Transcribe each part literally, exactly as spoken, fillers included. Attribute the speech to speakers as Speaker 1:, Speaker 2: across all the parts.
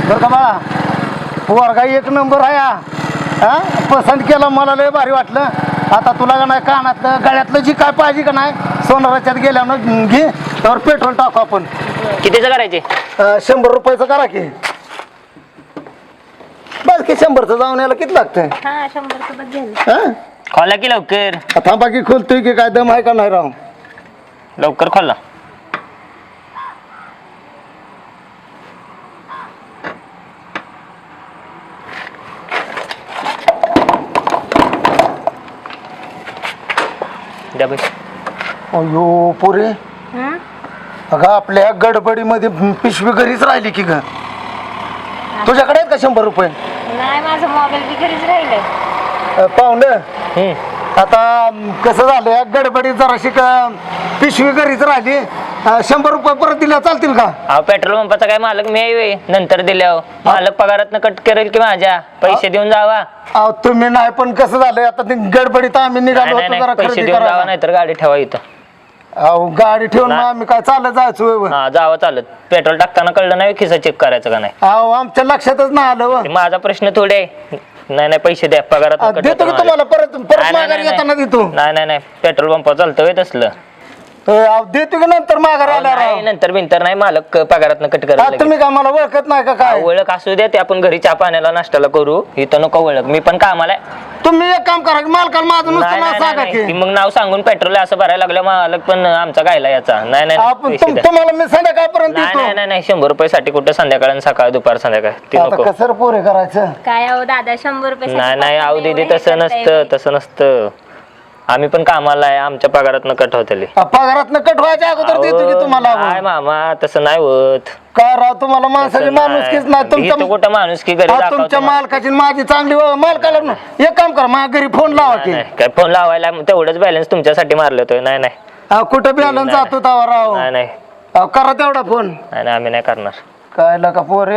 Speaker 1: बरं का बाळा, पोरगा एक नंबर आहे हा. हा पसंत केलं, मला लय भारी वाटलं. आता तुला का नाही कानातलं गळ्यातलं जी काय पाहिजे का नाही सोनाराच्यात गेल्यानं घे, तर पेट्रोल टाकू आपण.
Speaker 2: कितीचं करायचे?
Speaker 1: अं, शंभर रुपयाचं करा की. बस की शंभरचं जाऊन यायला किती लागतंय?
Speaker 3: हा शंभर सोबत घेऊन
Speaker 1: हा
Speaker 2: खोला की लवकर,
Speaker 1: थांबा की खोलतोय की, काय दम आहे का नाही राव?
Speaker 2: लवकर खोला. द्या पैसे.
Speaker 1: अयो पोरे, अगं आपल्या गडबडीमध्ये पिशवी घरीच राहिली की ग. तुझ्याकडे आहेत का शंभर रुपये?
Speaker 3: नाही, माझं मोबाईल बी घरीच राहिलंय.
Speaker 1: अं, पाहुणं,
Speaker 2: हम्म.
Speaker 1: आता कसं झालं गडबडीत जराशी का पिशवी घरीच राहिली. अं, शंभर रुपये परत दिल्या चालतील का?
Speaker 2: अहो पेट्रोल पंपाचा काय मालक मी आहे व्हय? नंतर दिल्यावर मालक पगारात कट करेल की माझ्या पैसे देऊन जावा.
Speaker 1: अहो तुम्ही नाही, पण कसं झालंय आता ते गडबडीत आम्ही निघालो
Speaker 2: नाही,
Speaker 1: होतो
Speaker 2: नाही,
Speaker 1: जरा
Speaker 2: पैसे
Speaker 1: खरेदी
Speaker 2: देऊन जावा,
Speaker 1: करायला.
Speaker 2: नाही तर गाडी ठेवा इथं.
Speaker 1: अहो गाडी ठेवून मग
Speaker 2: नाही.
Speaker 1: आम्ही काय चालत जायचो होय?
Speaker 2: हा जावा चालत. पेट्रोल टाकताना कळलं नाही खिसा चेक करायचं का नाही?
Speaker 1: अहो आमच्या लक्षातच नाही आलं व.
Speaker 2: ते माझा प्रश्न थोडे आहे. नाही नाही पैसे द्या पगारात
Speaker 1: अं, देतो की तुम्हाला परत परत माघारी येताना देतो.
Speaker 2: नाही नाही नाही पेट्रोल पंप चालतं व्हय तसलं?
Speaker 1: अं, अहो, देतो की नंतर माघारी
Speaker 2: अहो,
Speaker 1: आल्यावर
Speaker 2: नाही,
Speaker 1: राव.
Speaker 2: नंतर बिंतर नाही मालक पगारात कट
Speaker 1: हा,
Speaker 2: करायला
Speaker 1: तुम्ही काय मला ओळखत नाही का काय?
Speaker 2: ओळख असू द्या ते आपण घरी चहा पाण्याला नाश्त्याला करू. इथं नको ओळख, मी पण कामाला आहे.
Speaker 1: तुम्ही एक काम करा, मालकाला माझं
Speaker 2: नाही,
Speaker 1: नुसतं नाव
Speaker 2: नाही,
Speaker 1: सांगा
Speaker 2: नाही,
Speaker 1: की.
Speaker 2: ती मग नाव सांगून पेट्रोल असं भरायला लागलं मालक पण आमचा गायला याचा. नाही नाही,
Speaker 1: आपण
Speaker 2: पैसे
Speaker 1: तुम-
Speaker 2: द्या.
Speaker 1: तुम्हाला मी संध्याकाळपर्यंत
Speaker 2: नाही नाही
Speaker 1: देतो.
Speaker 2: नाही नाही शंभर रुपये साठी कुठं संध्याकाळ सकाळ दुपार संध्याकाळ ती
Speaker 1: आता
Speaker 2: नको.
Speaker 1: कसं रे पोरे करायचं?
Speaker 3: काय अहो दादा, शंभर रुपये
Speaker 2: नाही नाही आऊ दीदी तसं नसतं, तसं नसतं. आम्ही पण कामाला आहे, आमच्या पगारात कट होतली.
Speaker 1: पगारात कट व्हायच्या अगोदर देतो की तुम्हाला.
Speaker 2: काय मामा तसं नाही होत.
Speaker 1: काय राव, तुम्हाला माणसाची
Speaker 2: तसं
Speaker 1: माणुसकीच नाही.
Speaker 2: इथं
Speaker 1: तुमच्या
Speaker 2: कुठं माणूस की घरी
Speaker 1: हा,
Speaker 2: दाखवतो
Speaker 1: तुमच्या
Speaker 2: मला.
Speaker 1: मालकाची आणि माझी चांगली व- मालकाला न- एक काम करा, माझ्या घरी फोन लावा की.
Speaker 2: नाही, काय फोन लावायला तेवढंच बॅलन्स तुमच्यासाठी मारलं होतं. नाही नाही
Speaker 1: अहो, कुठं बॅलन्स
Speaker 2: नाही,
Speaker 1: जातो तवा राव?
Speaker 2: नाही नाही
Speaker 1: अहो, करा तेवढा फोन.
Speaker 2: नाही नाही, आम्ही नाही करणार.
Speaker 1: काय लका पोरे,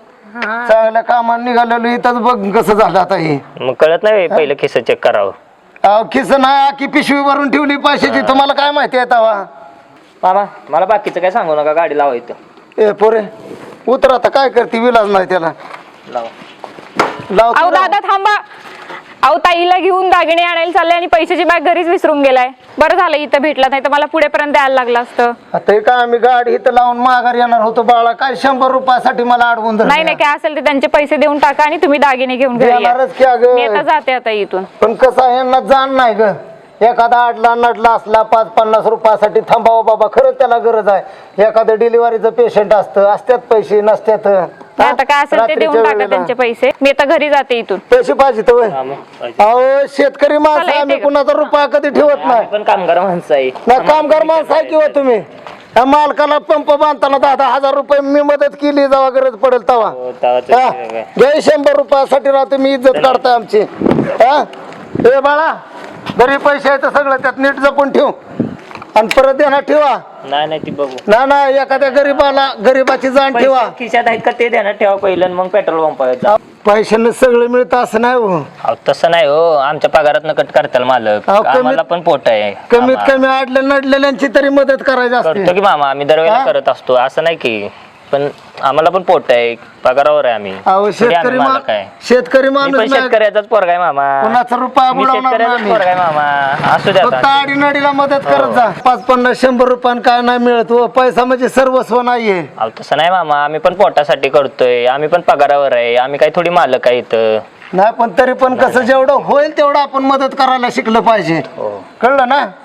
Speaker 3: हा
Speaker 1: चांगल्या कामाला निघालेलो इथंच बघ कसं झालं आता हे.
Speaker 2: मग कळत नाही पहिलं खिस्सा चेक करावं.
Speaker 1: अहो, खिस नाही की पिशवी भरून ठेवली पैशाची, तुम्हाला काय माहिती आहे तवा?
Speaker 2: मामा मला बाकीचं काय सांगू नका, गाडी लावा इथं.
Speaker 1: ए पोरे उतर, आता काय करते, विलाज नाही त्याला.
Speaker 2: लावा.
Speaker 1: लावतो
Speaker 4: अहो
Speaker 1: राव.
Speaker 4: दादा थांबा. अहो ताईला घेऊन दागिने आणायला चालले आणि पैशाची बॅग घरीच विसरून गेलाय. बरं झालं इथं भेटला, नाही तर मला पुढेपर्यंत द्यायला लागलं असतं.
Speaker 1: आता हे काय आम्ही गाडी इथं लावून माघार येणार होतो बाळा, काय शंभर रुपयासाठी मला अडवून धरलं.
Speaker 4: नाही नाही काय असेल ते त्यांचे पैसे देऊन टाका आणि तुम्ही दागिने घेऊन घरी या.
Speaker 1: देणारच की अगं.
Speaker 4: मी आता जाते आता इथून.
Speaker 1: पण कसं आहे, यांना जाण नाही ग. एखादा आडला नडला असला पाच पन्नास रुपयासाठी थांबावं बाबा, खरंच त्याला गरज आहे. एखादं डिलिव्हरीचं पेशंट असतं, असत्यात पैसे नसत्यात.
Speaker 4: नाही, आता काय असेल ते देऊन
Speaker 1: रात्रीच्या
Speaker 4: टाका
Speaker 1: वेळेला.
Speaker 4: त्यांचे पैसे. मी आता घरी जाते इथून.
Speaker 1: पैसे पाहिजे तर होय.
Speaker 2: मामा, पाहिजे.
Speaker 1: अहो शेतकरी माणसं
Speaker 4: चला,
Speaker 1: आम्ही
Speaker 4: येते
Speaker 1: कुणाचा रुपया कधी ठेवत
Speaker 2: आम्ही
Speaker 1: नाही.
Speaker 2: पण कामगार माणसं आहे.
Speaker 1: नाही कामगार माणसं आहे किंवा तुम्ही त्या मालकाला पंप बांधताना दहा दहा हजार रुपये मी मदत केली, जेव्हा गरज पडेल तेव्हा.
Speaker 2: हो, तेव्हाच
Speaker 1: हा?
Speaker 2: वेगळं आहे.
Speaker 1: घे शंभर रुपयासाठी राव तुम्ही इज्जत काढताय आमची. हा ए बाळा, घरी पैसे आहेत सगळं त्यात नीट जपून ठेव आणि परत देणार ठेवा.
Speaker 2: नाही नाही ती बघू.
Speaker 1: ना ना एखाद्या गरीबाला गरीबाची जाण ठेवा.
Speaker 2: पैसे खिशात आहेत का ते ध्यानात ठेवा पहिलं, मग पेट्रोल पंपावर.
Speaker 1: पैशाने सगळं मिळतं असं नाही हो.
Speaker 2: अहो तसं नाही हो, आमच्या पगारात कट करताल मालक.
Speaker 1: अहो, कमीत-
Speaker 2: आम्हाला पण पोट आहे.
Speaker 1: कमीत
Speaker 2: मामा.
Speaker 1: कमी आडल्या नडलेल्यांची तरी मदत करायची
Speaker 2: करतो
Speaker 1: असते.
Speaker 2: की मामा, आम्ही दरवेळेला
Speaker 1: हा?
Speaker 2: करत असतो, असं नाही की. पण आम्हाला पण पोट आहे, पगारावर आहे आम्ही.
Speaker 1: अहो
Speaker 2: थोडी
Speaker 1: शेतकरी
Speaker 2: आम्ही
Speaker 1: मा-
Speaker 2: मालक आहे.
Speaker 1: शेतकरी
Speaker 2: मी
Speaker 1: माणूस
Speaker 2: पण
Speaker 1: नाही.
Speaker 2: शेतकऱ्याचाच पोरगा आहे मामा.
Speaker 1: कुणाचा रुपया
Speaker 2: मी
Speaker 1: बुडवणार
Speaker 2: शेतकऱ्याचाच
Speaker 1: नाही.
Speaker 2: पोरगा आहे मामा. असू द्या
Speaker 1: फक्त
Speaker 2: आता.
Speaker 1: आडीनडीला मदत करत
Speaker 2: हो.
Speaker 1: जा. पाच पन्नास शंभर रुपयान काय नाही मिळत हो. पैसा म्हणजे सर्वस्व नाहीये.
Speaker 2: अहो तसं नाही मामा, आम्ही पण पोटासाठी करतोय, आम्ही पण पगारावर आहे, आम्ही काही थोडी मालक आहे इथं.
Speaker 1: नाही पण तरी पण कसं जेवढं होईल तेवढं आपण मदत करायला शिकलं पाहिजे.
Speaker 2: हो.
Speaker 1: कळलं ना?